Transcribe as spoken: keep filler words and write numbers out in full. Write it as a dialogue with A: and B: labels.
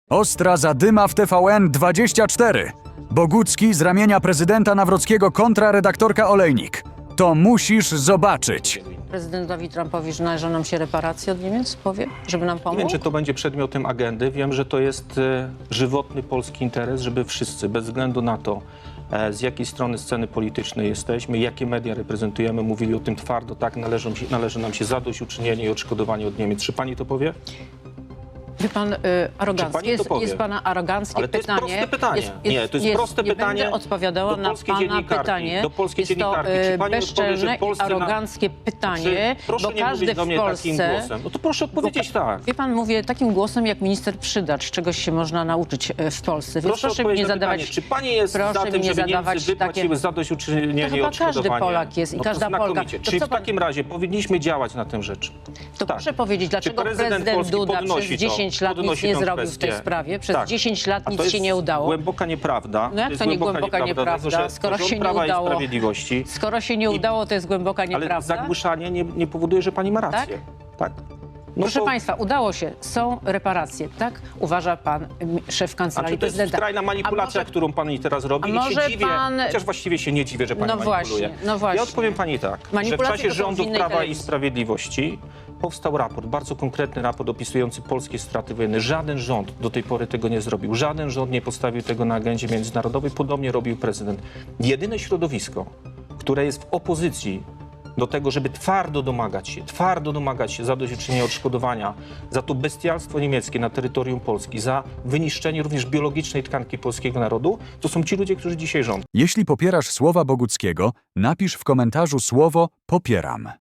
A: Ostra zadyma w T V N dwadzieścia cztery. Bogucki z ramienia prezydenta Nawrockiego kontra redaktorka Olejnik. To musisz zobaczyć.
B: Prezydentowi Trumpowi, że należą nam się reparacje od Niemiec, powie, żeby nam pomógł?
C: Nie wiem, czy to będzie przedmiotem agendy. Wiem, że to jest e, żywotny polski interes, żeby wszyscy, bez względu na to, e, z jakiej strony sceny politycznej jesteśmy, jakie media reprezentujemy, mówili o tym twardo, tak, należą się, należy nam się zadośćuczynienie i odszkodowanie od Niemiec. Czy pani to powie?
B: Wie pan, y, arogancki.
C: pani to
B: Jest,
C: powie?
B: jest pana aroganckie
C: Ale to jest
B: pytanie.
C: proste pytanie.
B: Jest,
C: Nie, to jest proste
B: nie
C: pytanie
B: będę odpowiadała
C: do
B: na
C: polskiej
B: pana
C: dziennikarki,
B: pytanie.
C: do polskiej
B: jest to
C: dziennikarki. Czy
B: y,
C: pani odpowie,
B: bezczelne
C: że
B: i
C: polscy na-
B: aroganckie pytanie,
C: Czy, proszę
B: bo
C: nie
B: każdy
C: mówić do
B: w
C: mnie
B: Polsce...
C: takim głosem. No to proszę odpowiedzieć tak.
B: Wie pan, mówię takim głosem jak minister Przydacz, czegoś się można nauczyć e, w Polsce. Więc
C: Proszę
B: proszę mi
C: odpowiedzieć
B: nie
C: na
B: zadawać...
C: pytanie, czy pani jest
B: proszę
C: za
B: mi
C: tym,
B: nie
C: żeby
B: zadawać
C: Niemcy wypłaciły
B: takie-
C: zadośćuczynienie
B: To
C: i
B: chyba każdy
C: odszkodowanie?
B: Polak jest i
C: No to
B: każda Polka.
C: znakomicie.
B: To
C: Czyli
B: co
C: w
B: pan-
C: takim razie powinniśmy działać na tę rzecz.
B: To
C: Tak.
B: proszę powiedzieć, dlaczego
C: prezydent
B: prezydent
C: Polski
B: Duda
C: podnosi
B: przez
C: to?
B: dziesięć lat nic
C: Podnosi
B: nie
C: tę
B: zrobił w tej
C: kwestię?
B: sprawie? Przez
C: Tak.
B: dziesięć lat
C: A
B: nic
C: to jest
B: się nie udało.
C: głęboka nieprawda.
B: No jak
C: jest
B: to nie głęboka nieprawda?
C: dlatego że
B: Skoro
C: rząd
B: się nie
C: Prawa i
B: udało.
C: Sprawiedliwości.
B: Skoro się nie udało, to jest głęboka
C: Ale
B: nieprawda.
C: zagłuszanie nie, nie powoduje, że pani ma rację. Tak? No
B: Proszę
C: to-
B: państwa, udało się. Są reparacje, tak? Uważa pan m, szef
C: A
B: kancelarii
C: czy to jest
B: prezydenta.
C: skrajna manipulacja,
B: A może-
C: którą pani teraz robi?
B: a
C: I
B: może
C: się dziwię,
B: pan-
C: chociaż właściwie się nie dziwię, że pani
B: No
C: manipuluje.
B: właśnie, no właśnie.
C: Ja odpowiem pani tak, że w
B: Manipulacje
C: czasie
B: to są w
C: rządów
B: innej
C: Prawa i
B: telewizji.
C: Sprawiedliwości powstał raport, bardzo konkretny raport opisujący polskie straty wojenne. Żaden rząd do tej pory tego nie zrobił. Żaden rząd nie postawił tego na agendzie międzynarodowej. Podobnie robił prezydent. Jedyne środowisko, które jest w opozycji do tego, żeby twardo domagać się, twardo domagać się zadośćuczynienia odszkodowania za to bestialstwo niemieckie na terytorium Polski, za wyniszczenie również biologicznej tkanki polskiego narodu, to są ci ludzie, którzy dzisiaj rządzą.
A: Jeśli popierasz słowa Boguckiego, napisz w komentarzu słowo popieram.